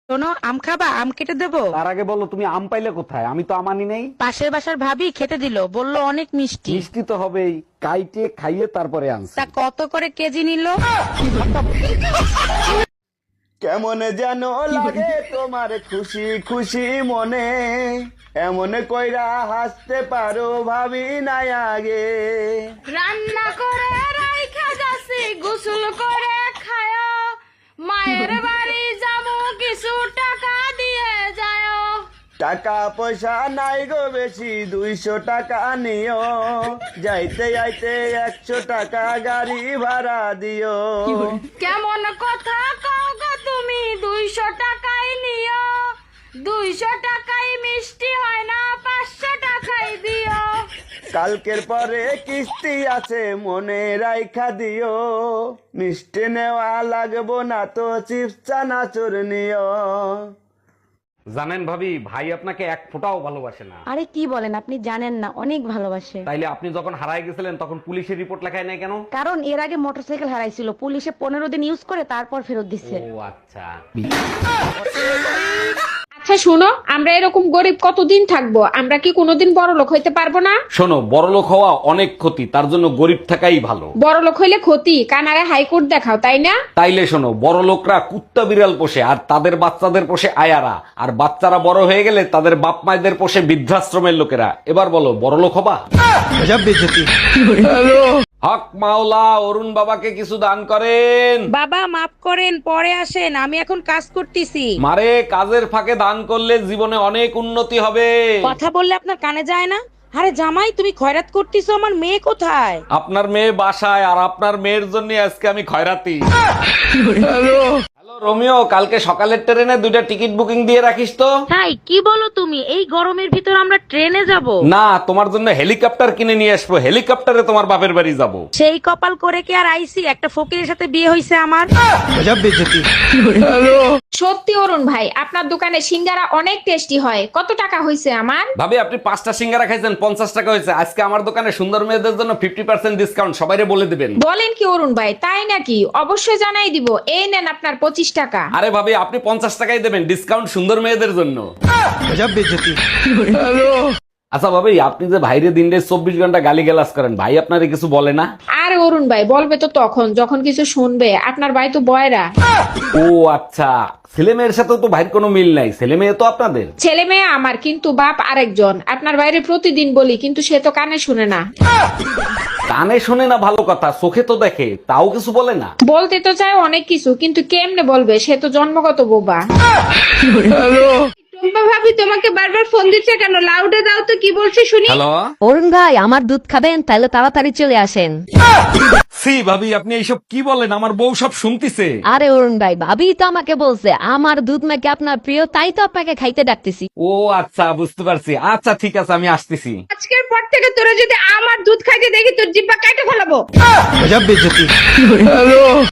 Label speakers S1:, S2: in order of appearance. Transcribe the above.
S1: শোনো, আম খাবা? আম কেটে দেবো?
S2: তার আগে বলো তুমি আম পাইলে কোথায়? আমি তো আম আনি নাই।
S1: পাশের বাসার ভাবি খেতে দিল, বললো অনেক মিষ্টি।
S2: মিষ্টি তো হবেই, কাইটে খাইয়ে তারপরে আনছি।
S1: তা কত করে কেজি নিল?
S3: কেমন যেন লাগে তোমার খুশি খুশি মনে, এমন কইরা হাসতে পারো ভাবি নাই আগে।
S4: রান্না করে রাইখা যাচ্ছি, গোসল করে খায়, মায়ের বাড়ি যাবো, কিছু টাকা দিয়ে যায়।
S3: টাকা পয়সা নাই গো বেশি, 200 টাকা নিও, যাইতে যাইতে 100 টাকা গাড়ি ভাড়া দিও।
S4: কেমন কথা কও গো তুমি, 200 টাকাই নিও, 200 টাকাই মিষ্টি হয় না, 500 টাকাই দিও।
S3: কালকের পরে কিস্তি আছে মনে রাইখা দিও, মিষ্টি নেওয়া লাগবো না তো চিপস চানাচুর নিও।
S2: জানেন ভাবি, ভাই আপনাকে এক ফোঁটাও ভালোবাসে না।
S1: আরে কি বলেন, আপনি জানেন না, অনেক ভালোবাসে।
S2: তাইলে আপনি যখন হারায় গেছিলেন তখন পুলিশের রিপোর্ট লেখায় নাই কেন?
S1: কারণ এর আগে মোটরসাইকেল হারাইছিল, পুলিশে 15 দিন ইউজ করে তারপর ফেরত দিচ্ছে।
S2: ও আচ্ছা।
S5: আচ্ছা শোনো, আমরা এরকম গরিব কতদিন থাকবো? আমরা কি কোনোদিন বড় লোক হইতে পারবো না?
S2: শোনো, বড়লোক হওয়া অনেক ক্ষতি, তার জন্য গরিব থাকাই ভালো।
S5: বড় লোক হইলে ক্ষতি, কানারে হাইকোর্ট দেখাও, তাই না?
S2: তাইলে শোনো, বড় লোকরা কুত্তা বিড়াল পোষে আর তাদের বাচ্চাদের পোষে আয়ারা, আর বাচ্চারা বড় হয়ে গেলে তাদের বাপ মায়েদের পোষে বৃদ্ধাশ্রমের লোকেরা। এবার বলো, বড় লোক হবা? হক মাওলা, অরুণ বাবাকে কিছু দান করেন।
S1: বাবা মাফ করেন, পরে আসেন, আমি এখন কাজ করতেছি।
S2: মারে, কাজের ফাঁকে দান করলে জীবনে অনেক উন্নতি হবে।
S1: কথা বললে আপনার কানে যায় না? আরে জামাই, তুমি খয়রাত করতেছো, আমার মেয়ে কোথায়?
S2: আপনার মেয়ে বাসায়, আর আপনার মেয়ের জন্য আজকে আমি খয়রাতি। হ্যালো রোমিও, কালকে সকালের ট্রেনে 2টা টিকিট বুকিং দিয়ে রাখিস তো।
S1: তাই কি বলো তুমি? এই গরমের ভিতর আমরা ট্রেনে যাব?
S2: না, তোমার জন্য হেলিকপ্টার কিনে নিয়ে আসবো, হেলিকপ্টারে তোমার বাপের বাড়ি যাব।
S1: সেই কপাল করে কি আর আইসি? একটা ফকিরের সাথে বিয়ে হইছে আমার।
S5: সত্যি অরুণ ভাই, আপনার দোকানে সিঙ্গারা অনেক টেস্টি হয়। কত টাকা হইছে আমার?
S2: ভাবি, আপনি 5টা সিঙ্গারা খাইছেন, 50 টাকা হয়েছে। আজকে আমার দোকানে সুন্দর মেয়েদের জন্য 50% ডিসকাউন্ট, সবাইরে বলে দিবেন।
S5: বলেন কি অরুণ ভাই, তাই নাকি? অবশ্যই জানাই দিব। এই নেন আপনার 25 টাকা।
S2: আরে ভাবি, আপনি 50 টাকাই দেবেন, ডিসকাউন্ট সুন্দর মেয়েদের জন্য। আচ্ছা ভাবি, আপনি যে ভাইরে দিনে 24 ঘন্টা গালি গালাজ করেন, ভাই আপনারে কিছু বলে না?
S5: আর অরুণ ভাই বলবে তো তখন যখন কিছু শুনবে। আপনার ভাই তো বয়রা।
S2: ও আচ্ছা, ছেলে মেয়ের সাথে তো ভাইয়ের কোনো মিল নাই, ছেলে মেয়ে তো আপনাদের।
S5: ছেলে মেয়ে আমার, কিন্তু বাপ আরেকজন। আপনার বাইরে প্রতিদিন বলি, কিন্তু সে তো কানে শুনে না।
S2: কানে শোনে না ভালো কথা, চোখে তো দেখে, তাও কিছু বলে না।
S5: বলতে তো চায় অনেক কিছু, কিন্তু কেমনে বলবে? সে তো জন্মগত বোবা। টুম্পা ভাবি তোমাকে বারবার ফোন দিচ্ছে কেন? লাউডে দাও তো, কি বলছে শুনি।
S2: হ্যালো।
S6: অরুণ ভাই, আমার দুধ খাবেন? তাহলে তাড়াতাড়ি চলে আসেন।
S2: সি ভাবি, আপনি এইসব কি বলেন? আমার বউ সব শুনতিছে।
S6: আরে অরুণ ভাই, ভাবি তো আমাকে বলছে আমার দুধ নাকি আপনার প্রিয়, তাই তো আপনাকে খাইতে ডাকতেছি।
S2: ও আচ্ছা, বুঝতে পারছি। আচ্ছা ঠিক আছে, আমি আসতেছি।
S5: আজকের পর থেকে তোরা যদি আমার দুধ খাইতে দেখি, তোর জিব্বা কাটে ফেলাবো।